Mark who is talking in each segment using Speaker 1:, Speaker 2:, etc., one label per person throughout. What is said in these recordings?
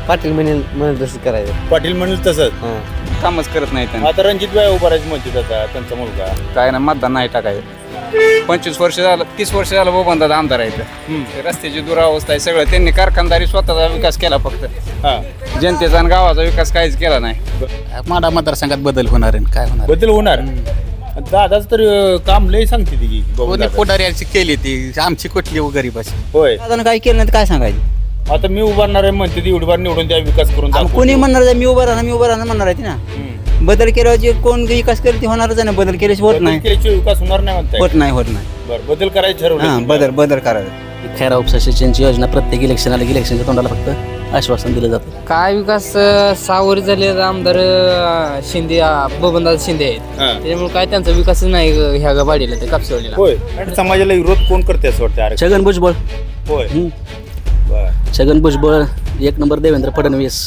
Speaker 1: पाटील म्हणेल तसं करायचं.
Speaker 2: पाटील म्हणेल तसंच.
Speaker 3: कामच करत नाही त्यांना.
Speaker 2: आता रणजित भाई उभा राहायचं म्हणते आता त्यांचा मुलगा.
Speaker 3: काय ना मतदान नाही टाकायचं. 25 वर्ष झालं 30 वर्ष झालं बबनदादा आमदार आहेत. रस्त्याची दुरावस्था आहे सगळं. त्यांनी कारखानदारी स्वतःचा विकास केला फक्त. जनतेचा आणि गावाचा विकास काहीच केला नाही.
Speaker 4: माडा मतदारसंघात बदल होणार आहे काय होणार
Speaker 2: बदल होणार. दादाच तर काम लय सांगते ती
Speaker 4: कोणी पुढाऱ्याची केली ती आमची कुठली गरीबाची.
Speaker 2: होय.
Speaker 1: दादा काय केलं नाही काय सांगायचं.
Speaker 2: आता मी उभारणार आहे म्हणते ती एवढी निवडून द्या विकास करून दाखवू.
Speaker 1: कोणी म्हणणार मी उभं राहणार म्हणणार आहे ना. बदल केल्यावर जे कोण विकास करेल ते होणारच आहे ना. बदल केल्याशिवाय होत
Speaker 2: बदल
Speaker 1: नाही.
Speaker 2: केल्याशिवाय विकास होणार नाही म्हणताय.
Speaker 1: होत नाही.
Speaker 2: बरं बदल करायचं ठरवलं.
Speaker 1: बदल करायचं.
Speaker 5: खैरा उपसा सिंचनची योजना प्रत्येक इलेक्शन आलं की इलेक्शनच्या तोंडाला फक्त आश्वासन दिलं जातं.
Speaker 6: काय विकास 6 वर्ष झाले आमदार शिंदे बबनदादा शिंदे आहेत. त्याच्यामुळे काय त्यांचा विकासच नाही ह्या वाडीला ते कापसेवाडीला.
Speaker 2: होय. आणि समाजाला विरोध कोण करते असं वाटतं आरक्षण?
Speaker 5: छगन भुजबळ.
Speaker 2: होय. बरं.
Speaker 5: छगन भुजबळ 1 नंबर देवेंद्र फडणवीस.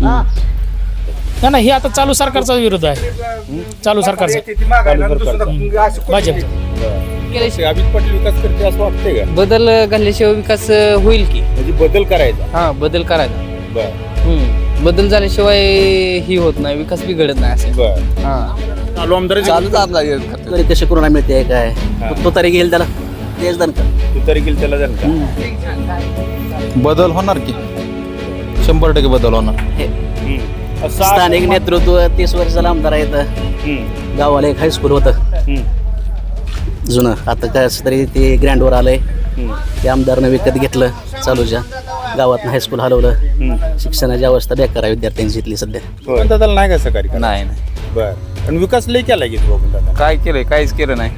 Speaker 7: नाही हे आता चालू सरकारचा विरोध आहे. चालू सरकारचा भाजपचा.
Speaker 2: अभित पाटील विकास करते असं वाटतंय का?
Speaker 6: बदल घातल्याशिवाय विकास होईल की.
Speaker 2: म्हणजे बदल करायचा.
Speaker 6: हा बदल करायचा.
Speaker 2: बरं.
Speaker 6: बदल झाल्याशिवाय ही होत नाही विकास बिघडत नाही असं.
Speaker 2: बरं.
Speaker 6: हा
Speaker 2: चालू आमदार
Speaker 4: चालूच आमदार
Speaker 5: तरी कशी कोरोना मिळते काय तो तरी घेईल त्याला तेच दन का.
Speaker 2: तू तरी गेल त्याला जाण का?
Speaker 4: बदल होणार की 100% बदल होणार.
Speaker 5: स्थानिक नेतृत्व 30 वर्षाला आमदार आहेत. गावाला एक हायस्कूल होतं जुनं. आता काय तरी ते ग्रँडवर आलंय. ते आमदारनं विकत घेतलं चालूच्या गावात हायस्कूल हलवलं. शिक्षणाची अवस्था बेकार आहे विद्यार्थ्यांची इथली सध्या.
Speaker 2: दादाला नाही का सहकारी?
Speaker 3: नाही
Speaker 2: बरं. आणि विकास लय केला घेतो बघून दादा.
Speaker 3: काय केलंय काहीच केलं नाही.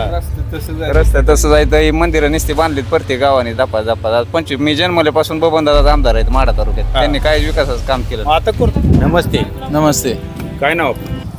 Speaker 3: रस्ता तसं जायचं. मंदिरं नुसती बांधलीत प्रत्येक गावाने दपा 25. मी जन्मल्यापासून बबनदादा आमदार आहेत माडा तालुक्यात. त्यांनी काहीच विकासाचं काम केलं.
Speaker 2: आता करतो. नमस्ते.
Speaker 4: नमस्ते.
Speaker 2: काय नाव?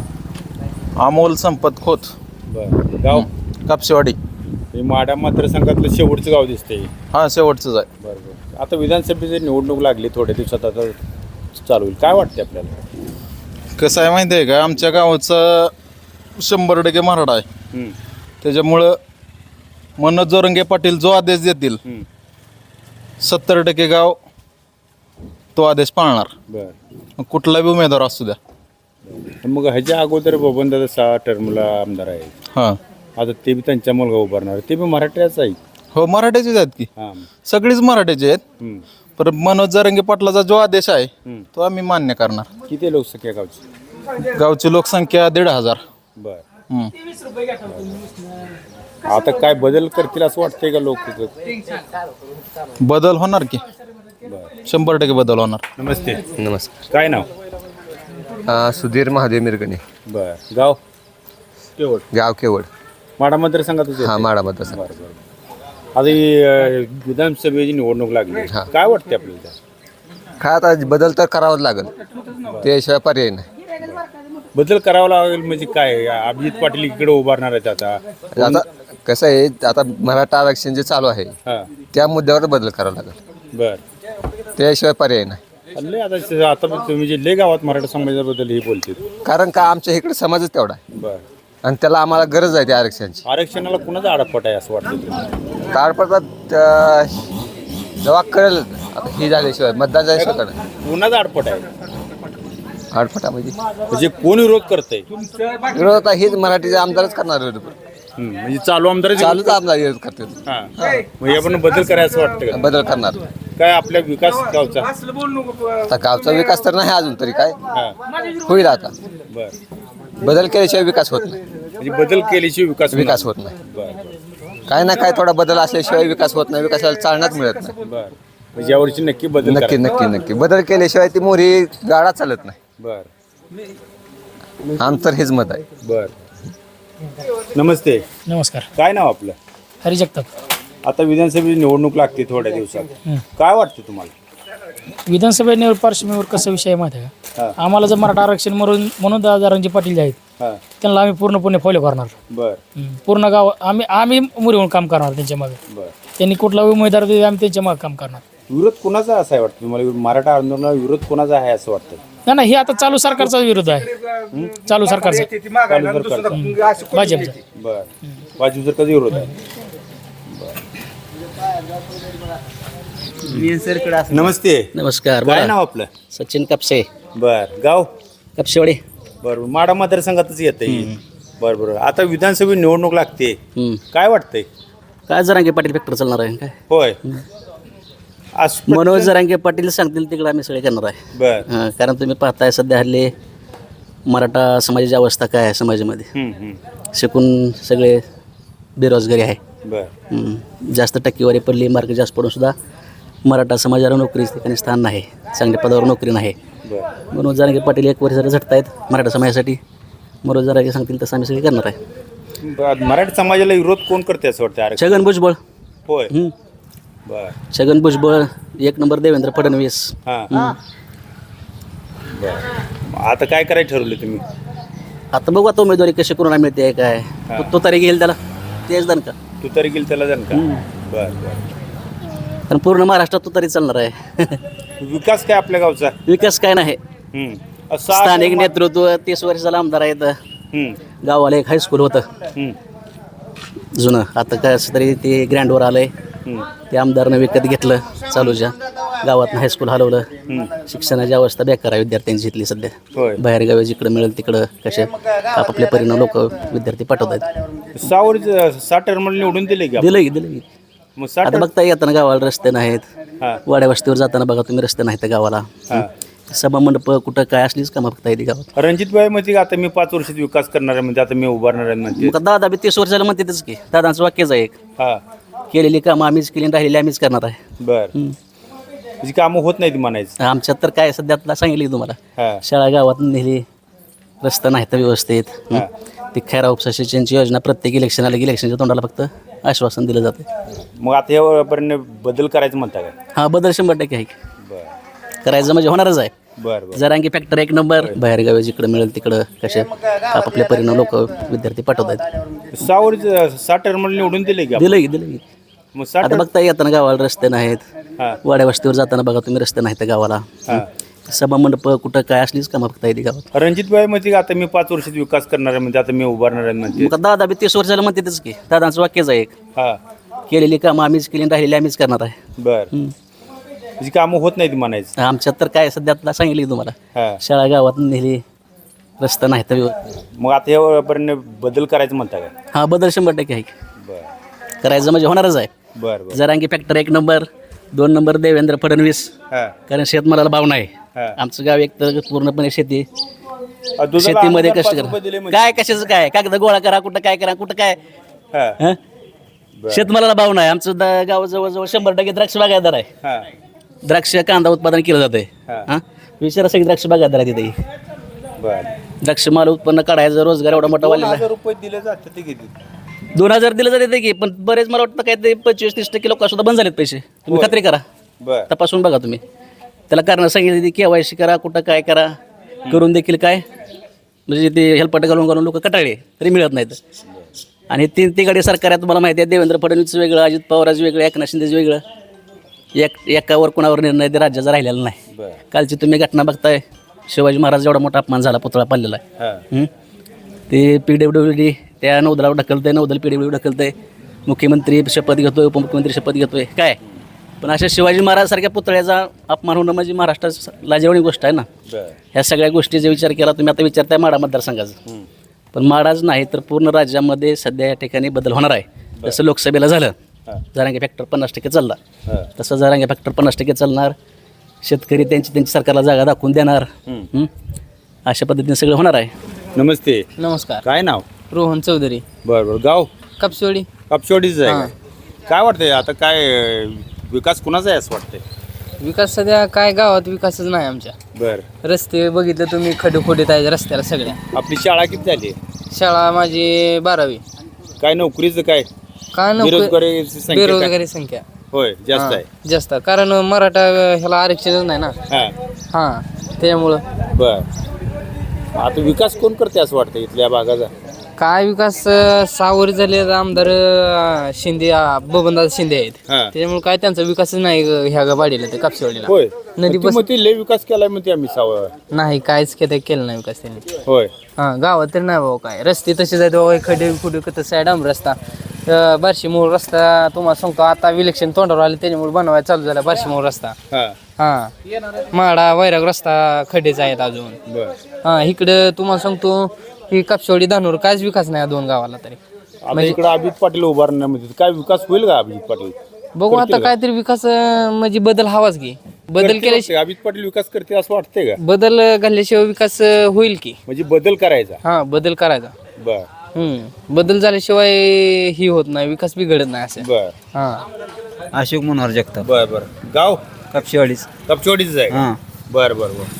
Speaker 4: अमोल संपत खोत.
Speaker 2: बरं. गाव
Speaker 4: कापसेवाडी.
Speaker 2: हे माडा मतदारसंघातलं शेवटचं गाव दिसतंय.
Speaker 4: हा शेवटचंच आहे.
Speaker 2: बरोबर. आता विधानसभेची निवडणूक लागली थोड्या दिवसात आता चालू होईल. काय वाटतं आपल्याला?
Speaker 4: कसं आहे माहिती आहे का आमच्या गावाचं 100% मराठा आहे. त्याच्यामुळं मनोज जोरंगे पाटील जो आदेश देतील 70% गाव तो आदेश पाळणार.
Speaker 2: बरं.
Speaker 4: कुठला बी उमेदवार असू द्या.
Speaker 2: मग ह्याच्या अगोदर बबनदादा 6 टर्मला आमदार आहेत.
Speaker 4: हां
Speaker 2: आता ते बी त्यांचा मुलगा उभारणार. ते बी मराठ्याच आहे.
Speaker 4: हो मराठ्याचेच आहेत की.
Speaker 2: हां.
Speaker 4: सगळीच मराठ्याचे आहेत. पण मनोज जोरंगे पाटलाचा जो आदेश आहे तो आम्ही मान्य करणार.
Speaker 2: किती लोकसंख्या गावची?
Speaker 4: गावची लोकसंख्या 1,500.
Speaker 2: बरं.
Speaker 4: हम्म.
Speaker 2: आता काय बदल करतील असं वाटतंय का लोक?
Speaker 4: बदल होणार की 100% बदल होणार.
Speaker 2: नमस्ते.
Speaker 8: नमस्कार.
Speaker 2: काय नाव?
Speaker 8: सुधीर महादेव मिरगणे.
Speaker 2: बरं. गाव? केवळ.
Speaker 8: गाव केवळ.
Speaker 2: माडा मतदारसंघातच
Speaker 8: हा माडा मतदारसंघ.
Speaker 2: आता ही विधानसभेची निवडणूक लागली. काय वाटते आपल्याला?
Speaker 8: काय आता बदल तर करावाच लागेल त्याशिवाय पर्याय नाही.
Speaker 2: बदल करावा लागेल म्हणजे काय? अभिजित पाटील इकडे उभारणार आहेत आता.
Speaker 8: आता कसं आहे आता मराठा आरक्षण जे चालू आहे त्या मुद्द्यावर बदल करावा लागेल.
Speaker 2: बरं.
Speaker 8: त्याशिवाय पर्याय नाही.
Speaker 2: लय आता तुम्ही जे लय गावात मराठा समाजाबद्दल हे बोलते.
Speaker 8: कारण का आमच्या इकडे समाजच तेवढा आहे.
Speaker 2: बरं.
Speaker 8: आणि त्याला आम्हाला गरज आहे त्या आरक्षणाची.
Speaker 2: आरक्षणाला कुणाचा आडपट आहे असं वाटतं तुम्हाला?
Speaker 8: ताडपत्रात जेव्हा कळेल आता ही झाल्याशिवाय मतदान झाल्याशिवाय कळेल
Speaker 2: कुणाचा आडपट आहे?
Speaker 8: आडपटामध्ये
Speaker 2: म्हणजे कोण विरोध करतंय?
Speaker 8: विरोध आता हेच मराठीचे आमदारच करणार विरोध.
Speaker 2: म्हणजे चालू आमदार
Speaker 8: चालूच आमदार विरोध करतात.
Speaker 2: म्हणजे आपण बदल करायचं वाटतं का?
Speaker 8: बदल करणार.
Speaker 2: काय आपल्या विकास गावचा?
Speaker 8: आता गावचा विकास तर नाही अजून तरी काय होईल आता.
Speaker 2: बरं.
Speaker 8: बदल केल्याशिवाय विकास होत नाही.
Speaker 2: म्हणजे बदल केल्याशिवाय विकास
Speaker 8: होत नाही.
Speaker 2: बरं.
Speaker 8: काय ना काय थोडा बदल असल्याशिवाय विकास होत नाही. विकासाला चालनाच मिळत नाही.
Speaker 2: बरं. म्हणजे यावर्षी नक्की बदल
Speaker 8: नक्की
Speaker 2: करायचा.
Speaker 8: नक्की नक्की बदल केल्याशिवाय ती मोरी गाडा चालत नाही.
Speaker 2: बरं.
Speaker 8: आमचं हेच मत आहे.
Speaker 2: बरं. नमस्ते.
Speaker 7: नमस्कार.
Speaker 2: काय नाव आपलं?
Speaker 7: हरी जगताप.
Speaker 2: आता विधानसभेची निवडणूक लागते थोड्या दिवसात. काय वाटतं तुम्हाला?
Speaker 7: विधानसभेवर पार्श्वभूमीवर कसं विषय आहे माहिती आहे का? आम्हाला जर मराठा आरक्षण म्हणून दादा रणजित पाटील जे आहेत त्यांना आम्ही पूर्णपणे फॉलो करणार.
Speaker 2: बरं.
Speaker 7: पूर्ण गाव आम्ही मुरीहून काम करणार त्यांच्या मागे.
Speaker 2: बरं.
Speaker 7: त्यांनी कुठला उमेदवार दिला आम्ही त्यांच्या मागे काम करणार.
Speaker 2: विरोध कोणाचा असा आहे वाटतं तुम्हाला? मराठा आंदोलनाला विरोध कोणाचा आहे असं वाटतं?
Speaker 7: नाही हे आता चालू सरकारचा विरोध आहे. चालू सरकारचा भाजपचा.
Speaker 2: बरं. भाजपचा कधी विरोध आहे? नमस्ते.
Speaker 5: नमस्कार
Speaker 2: काय
Speaker 5: बोला.
Speaker 2: नाव आपलं?
Speaker 5: सचिन कापसे,
Speaker 2: बर. गाव?
Speaker 5: कापशेवाडी.
Speaker 2: बरोबर. माडा मतदारसंघातच येत बरोबर. आता विधानसभा निवडणूक लागते, काय वाटतंय?
Speaker 5: काय जरांगे पाटील फॅक्टर चालणार आहे काय?
Speaker 2: होय.
Speaker 5: मनोज जरांगे पाटील सांगतील तिकडे आम्ही सगळे करणार आहे.
Speaker 2: बर.
Speaker 5: कारण तुम्ही पाहताय सध्या हल्ली मराठा समाजाची अवस्था काय आहे समाजामध्ये. शिकून सगळे बेरोजगारी आहे.
Speaker 2: बर.
Speaker 5: जास्त टक्केवारी पडली, मार्क जास्त पडून सुद्धा मराठा समाजाला नोकरी ठिकाणी स्थान नाही, चांगल्या पदावर नोकरी नाही.
Speaker 2: बर.
Speaker 5: मनोज जरांगे पाटील 1 वर्ष जरा झटतायत मराठा समाजासाठी. मनोज जरांगे सांगतील तसं आम्ही सगळे करणार आहे.
Speaker 2: मराठी समाजाला विरोध कोण करते असं वाटतं?
Speaker 5: छगन भुजबळ.
Speaker 2: होय. बर.
Speaker 5: छगन भुजबळ 1 नंबर, देवेंद्र फडणवीस.
Speaker 2: हां. बर. आता काय करायचं ठरवलं तुम्ही?
Speaker 5: आता बघू आता उमेदवारी कशी कोणाला मिळते काय. तो तरी घेईल त्याला तेच दन का.
Speaker 2: तू तरी गेल त्याला जाण का? बर बर.
Speaker 5: कारण पूर्ण महाराष्ट्रात तो तरी चालणार आहे.
Speaker 2: विकास काय आपल्या गावचा?
Speaker 5: विकास काय नाही. स्थानिक नेतृत्व 30 वर्षाला आमदार आहेत. गावाला एक हायस्कूल होतं जुनं, आता काय असं तरी ते ग्रँडवर आलंय. ते आमदारनं विकत घेतलं चालूच्या गावात हायस्कूल हलवलं. शिक्षणाची अवस्था बेकार आहे विद्यार्थ्यांची इथली सध्या. बाहेर गावी जिकडं मिळेल तिकडं कशा आपापल्या परिणाम लोक विद्यार्थी पाठवत आहेत.
Speaker 2: 6 टर्म निवडून दिले का?
Speaker 5: दिलं. आता बघता येताना गावाला रस्ते नाहीत. वाड्या वस्तीवर जाताना बघा तुम्ही रस्ते नाहीत गावाला. सभा मंडप कुठं काय असलीच कामं बघता येते गावात.
Speaker 2: रणजितभाई म्हणते आता मी 5 वर्षात विकास करणार आहे, म्हणजे आता मी उभारणार आहे म्हणते.
Speaker 5: मग दादा बी 30 वर्षाला म्हणतेच की. दादांचं वाक्यच आहे एक, केलेली कामं आम्हीच केली, राहिलेली आम्हीच करणार आहे.
Speaker 2: बर. जी कामं होत नाहीत म्हणायचं.
Speaker 5: आमच्यात तर काय सध्या सांगितली तुम्हाला, शाळा गावात नेली, रस्ता नाहीत व्यवस्थित. ती खैरा उपसा सिंचनची योजना प्रत्येक इलेक्शन आलं की इलेक्शनच्या तोंडाला फक्त आश्वासन दिलं जातं.
Speaker 2: मग आता यापर्यंत बदल करायचं म्हणता काय?
Speaker 5: हा, बदल 100% आहे. करायचं म्हणजे होणारच आहे.
Speaker 2: बरं.
Speaker 5: जरांगी फॅक्टर 1 नंबर, बाहेर गावी जिकडं मिळेल तिकडं कशा आपापल्या परिणाम लोक विद्यार्थी पाठवत आहेत.
Speaker 2: 6 टर्म निवडून दिले का?
Speaker 5: दिलं.
Speaker 2: मग
Speaker 5: आता बघता येताना गावाला रस्ते नाहीत. वाड्या वस्तीवर जाताना बघा तुम्ही रस्ते नाहीत गावाला. सभा मंडप कुठं काय असलीच कामं बघता येते गावात.
Speaker 2: रणजितभाई म्हणते आता मी 5 वर्षात विकास करणार आहे, म्हणजे आता मी उभारणार आहे म्हणते.
Speaker 5: मग दादा बी 30 वर्षाला म्हणतेच की. दादांचं वाक्यच आहे एक, केलेली कामं आम्हीच केली, राहिलेली आम्हीच करणार आहे.
Speaker 2: बर. जी कामं होत नाहीत म्हणायचं.
Speaker 5: आमच्यात तर काय सध्या सांगितली तुम्हाला, शाळा गावात नेली, रस्ता नाहीत व्यवस्थित.
Speaker 2: मग आता यापर्यंत बदल करायचं म्हणता काय?
Speaker 5: हा, बदल 100% आहे. करायचं म्हणजे होणारच आहे.
Speaker 2: बरं.
Speaker 5: Jarange factor 1 number, 2 number Devendra Fadnavis. कारण शेतमालाला भाव नाही. आमचं गाव एक तर पूर्णपणे शेतीमध्ये कष्ट करा. काय कशाचं काय, कागद गोळा करा, कुठं काय करा, कुठं काय. शेतमालाला भाव नाही. आमचं गाव जवळजवळ 100% द्राक्ष बागायतदार आहे. द्राक्ष कांदा उत्पादन केलं जातंय. विचारा सगळी द्राक्ष बागायतदार आहे तिथे. द्राक्ष माल उत्पन्न काढायचं, रोजगार एवढा मोठा वाढलेला.
Speaker 2: 2,000 रुपये दिले जाते ते किती?
Speaker 5: 2,000 दिलं जाते की, पण बरेच मला वाटतं काय ते 25-30% लोक सुद्धा बंद झालेत पैसे. तुम्ही खात्री करा, तपासून बघा तुम्ही. त्याला कारण सांगितलं KYC करा, कुठं काय करा, करून देखील काय म्हणजे ते हेल्पट घालून लोक कटाळे तरी मिळत नाहीत. आणि 3 गाडी सरकार आहे तुम्हाला माहिती आहे. देवेंद्र फडणवीसचं वेगळं, अजित पवाराचं वेगळं, एकनाथ शिंदेचं वेगळं. एकावर कोणावर निर्णय ते राज्याचा राहिलेला नाही. कालची तुम्ही घटना बघताय, शिवाजी महाराज एवढा मोठा अपमान झाला, पुतळा पाडलेला आहे. ते PWD त्या नौदलावर ढकलतंय, नौदल PWD ढकलतंय. मुख्यमंत्री शपथ घेतोय, उपमुख्यमंत्री शपथ घेतोय काय. पण अशा शिवाजी महाराज सारख्या पुतळ्याचा अपमान होणं म्हणजे महाराष्ट्रात लाजिरवाणी गोष्ट आहे ना. ह्या सगळ्या गोष्टीचा विचार केला तुम्ही. आता विचारताय माडा मतदारसंघाचा, पण माडाच नाही तर पूर्ण राज्यामध्ये सध्या या ठिकाणी बदल होणार आहे. जसं लोकसभेला झालं, जरांगे फॅक्टर 50% चालला, तसं जरांगे फॅक्टर 50% चालणार. शेतकरी त्यांची सरकारला जागा दाखवून देणार. अशा पद्धतीने सगळं होणार आहे.
Speaker 2: नमस्ते.
Speaker 6: नमस्कार.
Speaker 2: काय नाव?
Speaker 6: रोहन चौधरी.
Speaker 2: बरं. गाव?
Speaker 6: कापशेवाडी.
Speaker 2: कापशेवाडीच आहे. काय वाटतंय आता, काय विकास कुणाचा आहे असं वाटतंय?
Speaker 6: विकास सध्या काय गावात विकासच नाही आमच्या.
Speaker 2: बरं.
Speaker 6: रस्ते बघितलं तुम्ही, खडखोडीत आहे रस्त्याला सगळ्या.
Speaker 2: आपली शाळा किती झाली?
Speaker 6: शाळा माझी 12वी.
Speaker 2: काय नोकरीचं काय? बेरोजगारीची संख्या?
Speaker 6: बेरोजगारी संख्या
Speaker 2: होय जास्त आहे.
Speaker 6: जास्त, कारण मराठा ह्याला आरक्षणच नाही ना. हां, त्यामुळं.
Speaker 2: बर. आता विकास कोण करते असं वाटतं इथल्या भागाचा?
Speaker 6: काय विकास 6 वर्ष झाले आमदार शिंदे, बबनदादा शिंदे आहेत. त्याच्यामुळे काय त्यांचा विकासच नाही ह्या वाडीला, ते कापशेवाडीला.
Speaker 2: होय.
Speaker 6: नदी
Speaker 2: लय विकास केलाय म्हणते आम्ही 6
Speaker 6: नाही, काहीच केलं नाही विकास त्यांनी.
Speaker 2: होय.
Speaker 6: गावात तर नाही बाबा काय. रस्ते तसेच आहेत बाबा, खडे खुडे कसं आहे, डांब रस्ता. बार्शी मूळ रस्ता तुम्हाला सांगतो आता इलेक्शन तोंडावर आले त्याच्यामुळे बनवायला चालू झाला बार्शी मूळ रस्ता. हा माडा वैराग रस्ता खड्डेच आहेत अजून. हा इकडं तुम्हाला सांगतो ही कापशेवाडी धानोर काहीच विकास नाही या दोन गावाला तरी.
Speaker 2: आता इकडे अभिजित पाटील उभारण्यामध्ये काय विकास होईल का अभिजित पाटील?
Speaker 6: बघू आता काहीतरी विकास म्हणजे बदल हवाच की. बदल केल्याशिवाय
Speaker 2: अभिजित पाटील विकास करते असं वाटतंय का?
Speaker 6: बदल घालल्याशिवाय विकास होईल की.
Speaker 2: म्हणजे बदल करायचा.
Speaker 6: हा बदल करायचा.
Speaker 2: बर
Speaker 6: बदल झाल्याशिवाय ही होत नाही विकास बी घडत नाही असं.
Speaker 2: बर
Speaker 6: हा
Speaker 1: अशोक मनोहर जगताप.
Speaker 2: बर गाव
Speaker 1: कापशेवाडीच.
Speaker 2: कपचोडीच आहे.
Speaker 1: हां
Speaker 2: बर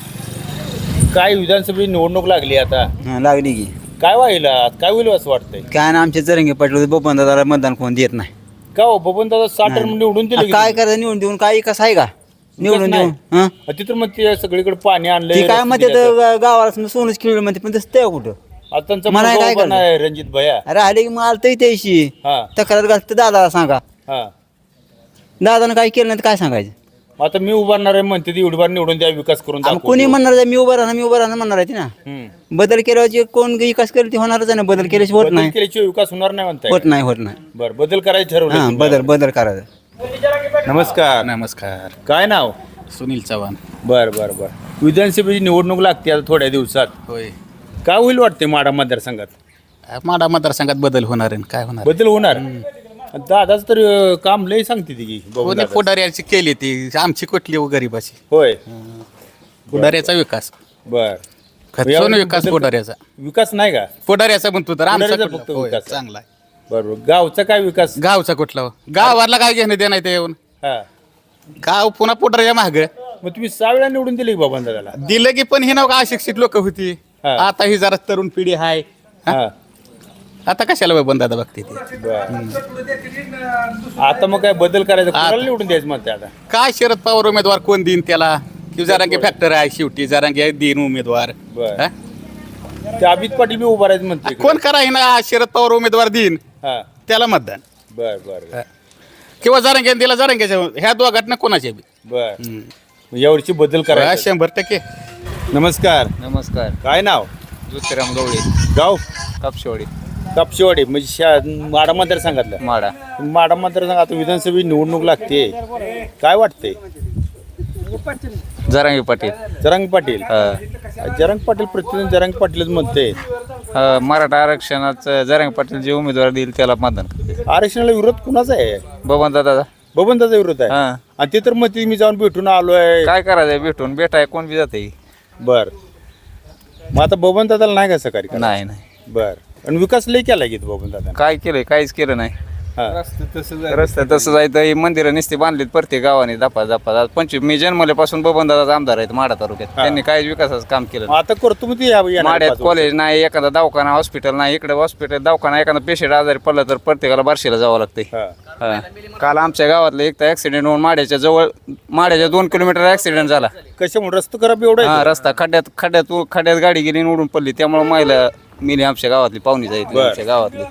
Speaker 2: काय विधानसभेची निवडणूक लागली आता,
Speaker 1: हां लागली की.
Speaker 2: काय होईल असं वाटतंय?
Speaker 1: काय ना आमचे जरंगे पाटील बबन दादाला मतदान कोण देत नाही.
Speaker 2: का हो बबन दादा 60 टर्म निवडून दिले की
Speaker 1: काय करायचं निवडून देऊन काय विकास आहे का निवडून
Speaker 2: नाही.
Speaker 1: देऊन? हां
Speaker 2: तिथं मग ते सगळीकडे पाणी
Speaker 1: ती
Speaker 2: आणलंय
Speaker 1: काय म्हणते गावाला सोनच खेळलं म्हणते पण तसं ते कुठं
Speaker 2: आता त्यांचा
Speaker 1: मला
Speaker 2: मुलगा
Speaker 1: काय
Speaker 2: उभा
Speaker 1: करणार?
Speaker 2: नाही, रणजित भैया.
Speaker 1: राहिले की मला तरी त्याशी
Speaker 2: हा
Speaker 1: तक्रार घालतं दादाला सांगा.
Speaker 2: हा
Speaker 1: दादानं काय केलं नाही तर काय सांगायचं.
Speaker 2: आता मी उभारणार आहे म्हणते ती एवढी बार निवडून द्या विकास करून
Speaker 1: आम्ही
Speaker 2: दाखवू.
Speaker 1: कोणी म्हणणार आहे, मी उभं राहणार म्हणणार आहे ती ना.
Speaker 2: हम्म.
Speaker 1: बदल केल्यावर जे कोण विकास करेल ते होणारच आहे ना. बदल केल्याशिवाय होत
Speaker 2: बदल
Speaker 1: नाही.
Speaker 2: केल्याशिवाय विकास होणार नाही म्हणताय.
Speaker 1: होत नाही होत नाही.
Speaker 2: बर बदल करायचं ठरवलं
Speaker 1: हां
Speaker 2: तुम्ही?
Speaker 1: बदल करायचं.
Speaker 2: नमस्कार.
Speaker 3: नमस्कार.
Speaker 2: काय नाव?
Speaker 3: सुनील चव्हाण.
Speaker 2: बर विधानसभेची निवडणूक लागते आता थोड्या दिवसात.
Speaker 3: होय.
Speaker 2: काय होईल वाटते माडा मतदारसंघात?
Speaker 3: माडा मतदारसंघात बदल होणार आहे काय होणार?
Speaker 2: बदल होणार. दादाच तर काम लय सांगते ती की बघू
Speaker 3: कोणी
Speaker 2: दादा.
Speaker 3: पुढाऱ्याची केली ती आमची कुठली गरीबाची
Speaker 2: होय
Speaker 3: पुढाऱ्याचा विकास
Speaker 2: बर
Speaker 3: खचून विकास पुढाऱ्याचा
Speaker 2: विकास नाही का?
Speaker 3: पुढाऱ्याचा म्हणतो तर आमचा
Speaker 2: पुढाऱ्याचा
Speaker 3: कुठला?
Speaker 2: फक्त
Speaker 3: होय,
Speaker 2: विकास.
Speaker 3: चांगला आहे.
Speaker 2: बरोबर गावचा काय विकास?
Speaker 3: गावचा कुठला गावाला काय घेणं देणं आहे ते येऊन
Speaker 2: हा
Speaker 3: गाव पुन्हा पुढाऱ्या माग
Speaker 2: मग तुम्ही 6 वेळा निवडून दिले की बाबा दादाला?
Speaker 3: दिलं की पण ही नव अशिक्षित लोक होती.
Speaker 2: हा.
Speaker 3: आता ही जरा तरुण पिढी आहे.
Speaker 2: हा
Speaker 3: आता कशाला बंदादा बघते ती
Speaker 2: बर आता मग काय बदल करायचा? कोणाला निवडून द्यायचं म्हणते आता?
Speaker 3: काय शरद पवार उमेदवार कोण देईन त्याला की जरांगे फॅक्टर आहे शेवटी जरांगे देईन उमेदवार
Speaker 2: बर
Speaker 3: हा?
Speaker 2: ते अभिजित पाटील बी उभा राहायचं म्हणते
Speaker 3: कोण कराय ना शरद पवार उमेदवार देईन
Speaker 2: हा
Speaker 3: त्याला मतदान
Speaker 2: बर
Speaker 3: किंवा जरांगे दिला जरांगेच्या ह्या दोघांना कोणाचे बी
Speaker 2: बर यावर्षी बदल करायचा.
Speaker 3: 100%.
Speaker 2: नमस्कार.
Speaker 3: नमस्कार.
Speaker 2: काय नाव?
Speaker 3: ज्योतिराम गवळी
Speaker 2: गाव
Speaker 3: कापशेवाडी
Speaker 2: कापशेवाडी म्हणजे माडा मतदारसंघातलं. माडा मतदारसंघ आता विधानसभेची निवडणूक लागते. काय वाटते?
Speaker 3: जरांगे पाटील
Speaker 2: जरांगे पाटील. जरांगे पाटील प्रतिदिन जरांगे पाटीलच म्हणते.
Speaker 3: मराठा आरक्षणाचं जरांगे पाटील जे उमेदवार देईल त्याला मतदान करते.
Speaker 2: आरक्षणाला विरोध कुणाचा आहे?
Speaker 3: बबन दादा
Speaker 2: बबनदाचा विरोध आहे.
Speaker 3: हा.
Speaker 2: आणि ते तर म्हणते मी जाऊन भेटून आलोय.
Speaker 3: काय करायचं भेटून भेटाय कोण बी जाते.
Speaker 2: बर मग आता बबनदादाला नाही का सकाळी?
Speaker 3: नाही
Speaker 2: बर आणि विकास लय केला की बबनदादा?
Speaker 3: काय केलंय काहीच केलं नाही.
Speaker 2: हा
Speaker 3: रस्ता तसं जायचं ही मंदिरं नुसती बांधलीत प्रत्येक गावाने दपा 25 मी जन्मल्यापासून बबन दादाचा आमदार आहेत माडा तालुक्यात. त्यांनी काहीच विकासाचं काम केलं
Speaker 2: मग आता करतो मग ते येणाऱ्या
Speaker 3: माड्यात
Speaker 2: 5 वर्षात.
Speaker 3: कॉलेज नाही एखादा दवाखाना हॉस्पिटल नाही इकडे हॉस्पिटल दवाखाना एखादा पेशंट आजारी पडला तर प्रत्येकाला बार्शीला जावं लागतंय.
Speaker 2: हा.
Speaker 3: काल आमच्या गावातलं एक तर ऍक्सिडेंट होऊन माड्याच्या 2 किलोमीटर ऍक्सिडेंट झाला.
Speaker 2: कशामुळे रस्ता खराब एवढा आहे?
Speaker 3: हा रस्ता खड्ड्यात गाडी गेली आणि उडून पडली त्यामुळे महिला मिली आमच्या गावातली पाहुणी जायची
Speaker 2: बर.
Speaker 3: आमच्या गावातली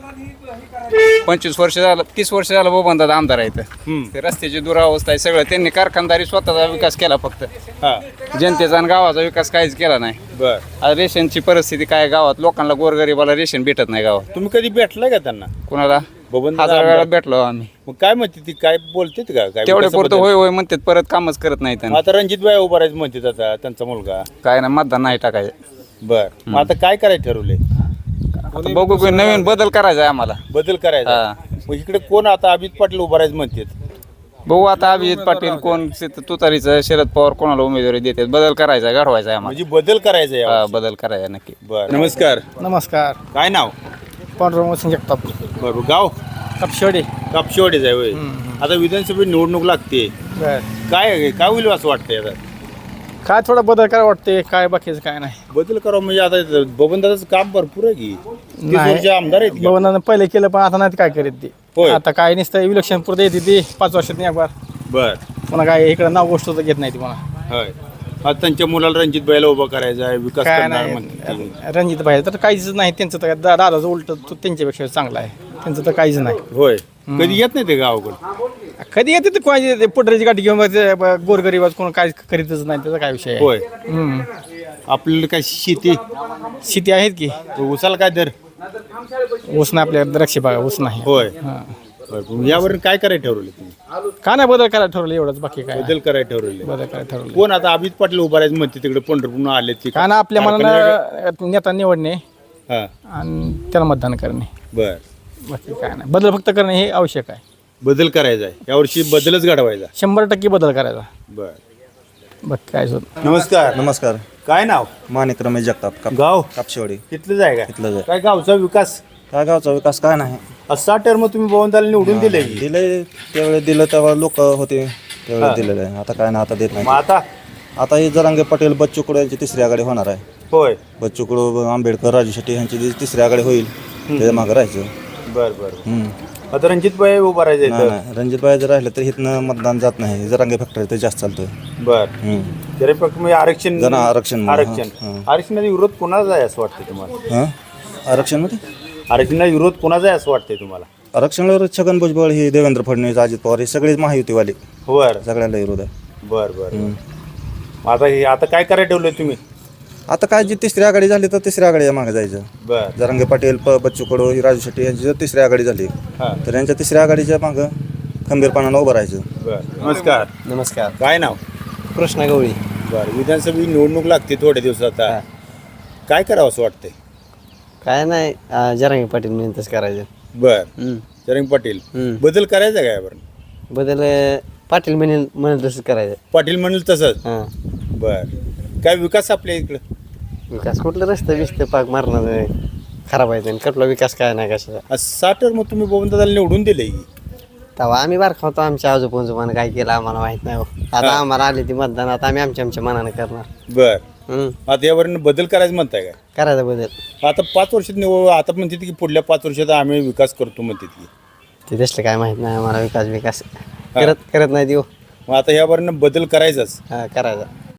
Speaker 3: 25 वर्ष झालं 30 वर्ष झालं बबन दादा आमदार आहेत. ते रस्त्याची दुरावस्था आहे सगळं त्यांनी कारखानदारी स्वतःचा विकास केला फक्त
Speaker 2: हा
Speaker 3: जनतेचा आणि गावाचा विकास काहीच केला नाही.
Speaker 2: बर
Speaker 3: आज रेशनची परिस्थिती काय गावात लोकांना गोरगरीबाला रेशन भेटत नाही गावात.
Speaker 2: तुम्ही कधी भेटलाय का त्यांना?
Speaker 3: कुणाला
Speaker 2: बबन
Speaker 3: 1000 वेळा भेटलो आम्ही.
Speaker 2: मग काय म्हणते ती? काय बोलते का? काय
Speaker 3: तेवढे पुरतं
Speaker 2: विकासाबद्दल?
Speaker 3: होय होय म्हणतात परत कामच करत नाही त्यांना.
Speaker 2: आता रणजित भाई उभा राहायचं म्हणते आता त्यांचा मुलगा.
Speaker 3: काय ना मतदान नाही टाकायचं.
Speaker 2: बर मग आता काय करायचं ठरवले?
Speaker 3: आता बघू की नवीन बदल करायचा आहे आम्हाला.
Speaker 2: बदल करायचा.
Speaker 3: हा.
Speaker 2: मग इकडे कोण आता अभिजित पाटील उभा राहायचं म्हणतात?
Speaker 3: बघू आता अभिजित पाटील कोण तुतारीचं शरद पवार कोणाला उमेदवारी देतात बदल करायचा घडवायचा आहे आम्हाला.
Speaker 2: म्हणजे बदल करायचा आहे.
Speaker 3: हा, बदल करायचा नक्की.
Speaker 2: बर नमस्कार.
Speaker 7: नमस्कार.
Speaker 2: काय नाव?
Speaker 7: पांडुरंग जगताप.
Speaker 2: बरोबर गाव
Speaker 7: कापशेवाडी.
Speaker 2: कापशेवाडीच आहे होय. आता विधानसभेत निवडणूक लागते. काय होईल असं वाटतंय आता?
Speaker 7: काय थोडा बदल काय वाटते काय बाकीचं काय नाही.
Speaker 2: बदल करावं म्हणजे आता बबनदादाचं काम भरपूर आहे की 30 वर्ष आमदार आहेत का?
Speaker 7: भवनानं पहिले केलं पण आता नाही काय करीत ते.
Speaker 2: होय.
Speaker 7: आता काय नसतं इलेक्शन पुरते येते ती 5 वर्षात एक बार.
Speaker 2: बर
Speaker 7: पुन्हा काय इकडे नाव गोष्ट तर घेत नाही ती पुन्हा.
Speaker 2: होय. आता त्यांच्या मुलाला रणजित भाईला उभा करायचा आहे विकास
Speaker 7: काय
Speaker 2: करणार
Speaker 7: नाही
Speaker 2: म्हणते.
Speaker 7: रणजित भाई तर काहीच नाही त्यांचं तर दादाचं उलट त्यांच्यापेक्षा चांगलं आहे त्यांचं तर काहीच नाही.
Speaker 2: होय कधी येत नाही ते गावाकडे?
Speaker 7: कधी येते तर कोणाची पुढऱ्याची गाठी घेऊन गोरगरीबाज कोण काय करीतच नाही त्याचा काय विषय आहे.
Speaker 2: होय आपल्याला काय शेती
Speaker 7: शेती आहेत की
Speaker 2: उसाला काय दर?
Speaker 9: ऊस नाही आपल्या द्राक्षी बागा ऊस नाही
Speaker 2: होय बरं. यावर काय करायला ठरवलं तुम्ही?
Speaker 9: का नाही बदल करायला ठरवलं एवढंच बाकी काय
Speaker 2: बदल करायला ठरवले.
Speaker 9: बदल करायला ठरवलं
Speaker 2: कोण आता अभित पाटील उभा राहायचं म्हणते तिकडे पंढरपूर आले ते
Speaker 9: का ना आपल्या मनानं नेता निवडणे
Speaker 2: हा
Speaker 9: आणि त्याला मतदान करणे
Speaker 2: बर
Speaker 9: बाकी काय नाही बदल फक्त करणे हे आवश्यक आहे
Speaker 2: बदल करायचा आहे यावर्षी बदलच घडवायचा
Speaker 9: 100% बदल करायचा
Speaker 2: बर
Speaker 9: बाकी काय सुद्धा
Speaker 2: नमस्कार
Speaker 10: नमस्कार
Speaker 2: काय नाव
Speaker 10: माणिक रमेश जगताप
Speaker 2: गाव
Speaker 10: कापशेवाडी
Speaker 2: तिथलंच आहे का
Speaker 10: तिथलंच आहे.
Speaker 2: काय गावचा विकास
Speaker 10: काय गावचा विकास काय नाही
Speaker 2: 7 टर्म तुम्ही भवनदाला निवडून दिले की?
Speaker 10: दिले त्यावेळेस दिलं तेव्हा लोक होते त्यावेळेस दिलेलं आहे आता काय ना आता देत
Speaker 2: मग
Speaker 10: नाही
Speaker 2: आता
Speaker 10: आता ही जरांगे पाटील बच्चू कडू यांची तिसरी आघाडी होणार आहे
Speaker 2: होय
Speaker 10: बच्चू कडू आंबेडकर राजू शेट्टी यांची तिसरी आघाडी होईल त्याच्या मागं राहायचं
Speaker 2: बर बर
Speaker 10: हम्म.
Speaker 2: आता रणजित भाई उभा राहायचं
Speaker 10: नाही नाही रणजितबाई जर राहिलं तर इथनं मतदान जात नाही जरांगे फॅक्टरी ते जास्त चालतोय
Speaker 2: बर
Speaker 10: हम्म.
Speaker 2: जरी फक्त म्हणजे आरक्षण
Speaker 10: जरा आरक्षण
Speaker 2: आरक्षण
Speaker 10: हां.
Speaker 2: आरक्षणाचा विरोध कोणाचा आहे असं वाटतं तुम्हाला
Speaker 10: हां आरक्षणमध्ये
Speaker 2: आरक्षणाचा विरोध कोणाचा आहे असं वाटतंय तुम्हाला
Speaker 10: आरक्षणावर छगन भुजबळ ही देवेंद्र फडणवीस अजित पवार हे सगळेच महायुतीवाले
Speaker 2: बर
Speaker 10: सगळ्यांना विरोध आहे
Speaker 2: बर बर मग आता काय करायला ठेवलंय तुम्ही
Speaker 10: आता काय जी तिसरी आघाडी झाली तर तिसऱ्या आघाडीच्या मागे जायचं
Speaker 2: बर
Speaker 10: जरांगे पाटील बच्चू कडू ही राजू शेट्टी यांची जर तिसरी आघाडी झाली
Speaker 2: हां
Speaker 10: तर यांच्या तिसऱ्या आघाडीच्या मागं खंबीरपणानं उभं राहायचं
Speaker 2: बर नमस्कार
Speaker 5: नमस्कार
Speaker 2: काय नाव
Speaker 5: कृष्णा गवळी
Speaker 2: बर विधानसभा निवडणूक लागते थोड्या दिवसात आता काय करावं असं वाटतंय
Speaker 5: काय नाही जरांगी पाटील म्हणून तसं करायचं
Speaker 2: बर चरंग पाटील बदल करायचा काय बरं
Speaker 5: बदल पाटील म्हणून तसं करायचं
Speaker 2: पाटील म्हणेल तसंच
Speaker 5: हां
Speaker 2: बर काय विकास आपल्या इकडं
Speaker 5: विकास कुठलं रस्ते बिस्ते पाक मारणार खराब आहे आणि कुठला विकास काय नाही कशाचा
Speaker 2: 7 मग तुम्ही बबनदादाला निवडून दिले की
Speaker 5: तेव्हा आम्ही बारखा होतो आमच्या आजोबांजोबानं काय केलं आम्हाला माहित नाही हो. आता आम्हाला आली ती मतदान आता आम्ही आमच्या मनानं करणार
Speaker 2: बर आता यावर बदल करायचं म्हणताय काय
Speaker 5: करायचा बदल
Speaker 2: आता 5 वर्षात आता म्हणतात की पुढल्या 5 वर्षात आम्ही विकास करतो म्हणतात की
Speaker 5: ते तसलं काय माहित नाही आम्हाला विकास करत नाही देऊ
Speaker 2: मग आता यावर बदल करायचाच
Speaker 5: हां करायचा